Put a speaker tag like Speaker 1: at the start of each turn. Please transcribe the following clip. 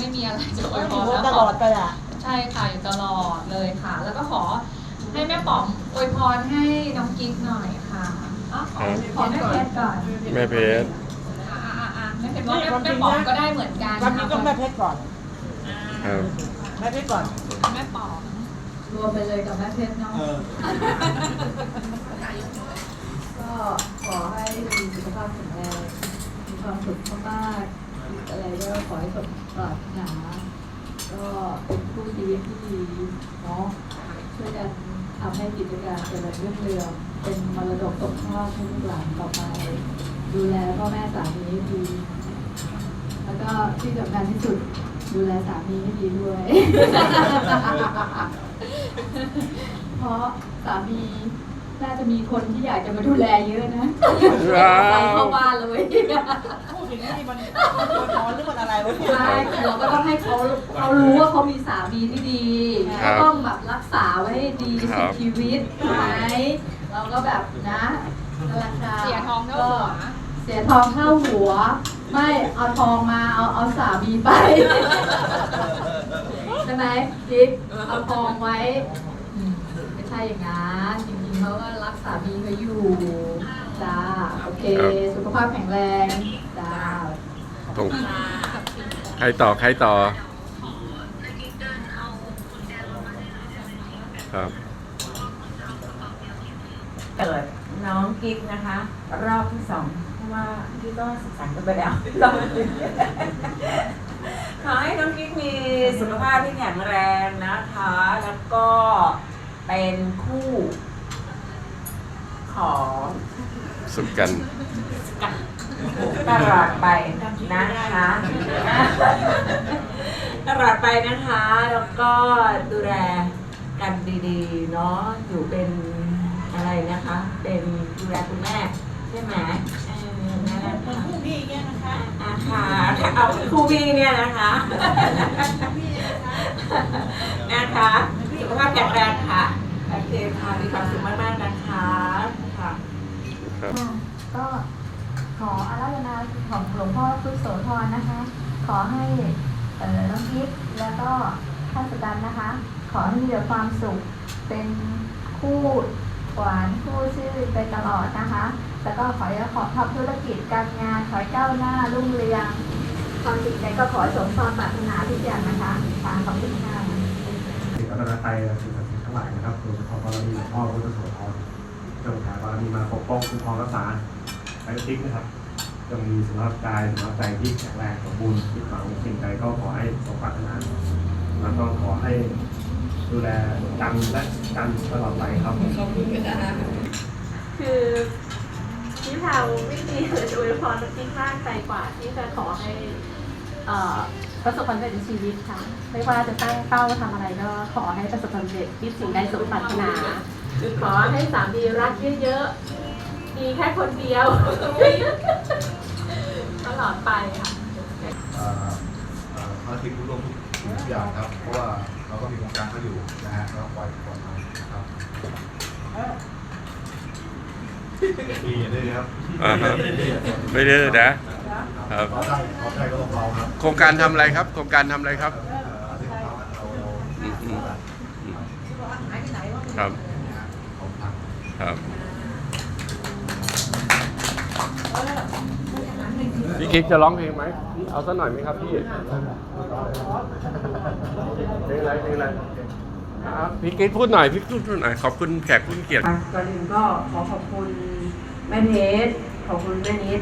Speaker 1: ไม่มีอะไรจะอวยพร
Speaker 2: ตลอดไปอ่ะ
Speaker 1: ใช่ค่ะอยู่ตลอดเลยค่ะ แล้วก็ขอให้แม่ป๋อมอวยพรให้น้องกิ๊กหน่อยค่ะขอแม่เพชรก่อน
Speaker 3: แม่เพชร
Speaker 1: แม่เพชรว่าแม่ป๋อมก็ได้เหมือนกัน
Speaker 2: วันนี้ต้องแม่เพชรก่อน
Speaker 3: ครับ
Speaker 2: แม่เพชรก่อน
Speaker 1: แม่ป๋อมรวมไปเลยกับแม่เพชรเนาะ
Speaker 4: ก็ขอให้มีสุขภาพแข็งแรงมีความสุขมากๆอะไรก็ขอให้สมปรารถนาก็เป็นคู่ชีวิตที่ดีเนาะช่วยกันทำให้กิจการเจริญรุ่งเรืองเป็นมรดกตกทอดให้ลูกหลานต่อไป ดูแลพ่อแม่สามีให้ดี แล้วก็ที่สำคัญที่สุดดูแลสามีให้ดีด้วย เพราะสามีน่าจะมีคนที่อยากจะมาดูแลเยอะนะไปเข้าบ้านเลย
Speaker 2: พูดอย่างนี้มันร้อนหรือมันอะไรวะเนี่ย
Speaker 4: ใช่เราก็ต้องให้เขารู้ว่าเขามีสามีที่ดีก็ต้องแบบรักษาไว้ให้ดีสุดชีวิตใช่ไหมเราก็แบบนะราคา
Speaker 1: เสียทองเท่าหัว
Speaker 4: เสียทองเท่าหัว ไม่เอาทองมาเอาสามีไป ใช่ไหมกิ๊กเอาทองไว้ไม่ใช่อย่างนั้นจริงๆเขาก็รักสามีเขาอยู่จ้าโอเค สุขภาพแข็งแรงจ้า
Speaker 3: ตรงใครต่อครับ
Speaker 5: เปิดน้องกิ๊กนะคะ รอบที่ 2เพราะว่าพี่ก็ศึกษากันไปแล้วรอบที่ขอให้น้องกิ๊กมีสุขภาพที่แข็งแรงนะคะ แล้วก็เป็นคู่ของ
Speaker 3: สุขกัน
Speaker 5: ตลอดไปนะคะตลอดไปนะคะ แล้วก็ดูแลกันดีๆเนาะอยู่เป็นอะไรนะคะ เป็นดูแลคุณแม่ใช่ไหมนั่นแหละค่ะ
Speaker 2: คู่พี่เนี่ยนะคะ
Speaker 5: ค่ะเอาคู่พี่เนี่ยนะคะนะคะสุขภาพแข็งแรงค่ะโอเคค่ะมีความสุขมากๆนะคะค่ะ
Speaker 3: ครับ
Speaker 6: ค่ะก็ขออาราธนาของหลวงพ่อพุทธโสธรนะคะ ขอให้น้องกิ๊กแล้วก็ท่านสุกันนะคะ ขอให้มีแต่ความสุขเป็นคู่หวานคู่ชื่อไปตลอดนะคะ แล้วก็ขอให้ทำธุรกิจการงานขอให้ก้าวหน้ารุ่งเรืองความสิ่งใดก็ขอให้สมความปรารถนาทุกอย่างนะคะทางขอบคุณค่ะ
Speaker 7: สิ่งรัตนตรัยและสิ่งศักดิ์สิทธิ์ทั้งหลายนะครับโดยเฉพาะบารมีหลวงพ่อพุทธโสธรจงแผ่บารมีมาปกป้องคุ้มครองรักษาไอ้ติ๊กนะครับจงมีสุขภาพกายสุขภาพใจที่แข็งแรงสมบูรณ์คิดหวังสิ่งใดก็ขอให้สมปรารถนาแล้วก็ขอให้ดูแลกันและกันตลอดไปครับ
Speaker 8: คือพี่พาวไม่มีอะไรจะอวยพรน้องกิ๊กมากไปกว่าที่จะขอให้ประสบความสำเร็จในชีวิตค่ะไม่ว่าจะตั้งเป้าทำอะไรก็ขอให้ประสบความสำเร็จคิดสิ่งใดสมปรารถนา ขอให้สามีรักเยอะๆมีแค่คนเดียว ตลอดไปค่ะ
Speaker 9: ภารกิจร่วมทุกอย่างครับ เพราะว่าเราก็มีโครงการเขาอยู่นะฮะแล้วปล่อยมานะครับดีด้วยครับ
Speaker 3: ไม่ดื้อนะครับ
Speaker 9: ขอได้ก็ต้องเราครับ
Speaker 3: โครงการทำอะไรครับ โครงการทำอะไรครับครับครับพี่กิ๊กจะร้องเพลงไหมเอาสักหน่อยไหมครับพี่เพลงอะไรพี่กิ๊กพูดหน่อยพี่พูดหน่อยขอบคุณแขกผู้มีเกียรติ
Speaker 5: ก่อนอื่นก็ขอบคุณแม่เพชรขอบคุณแม่นิด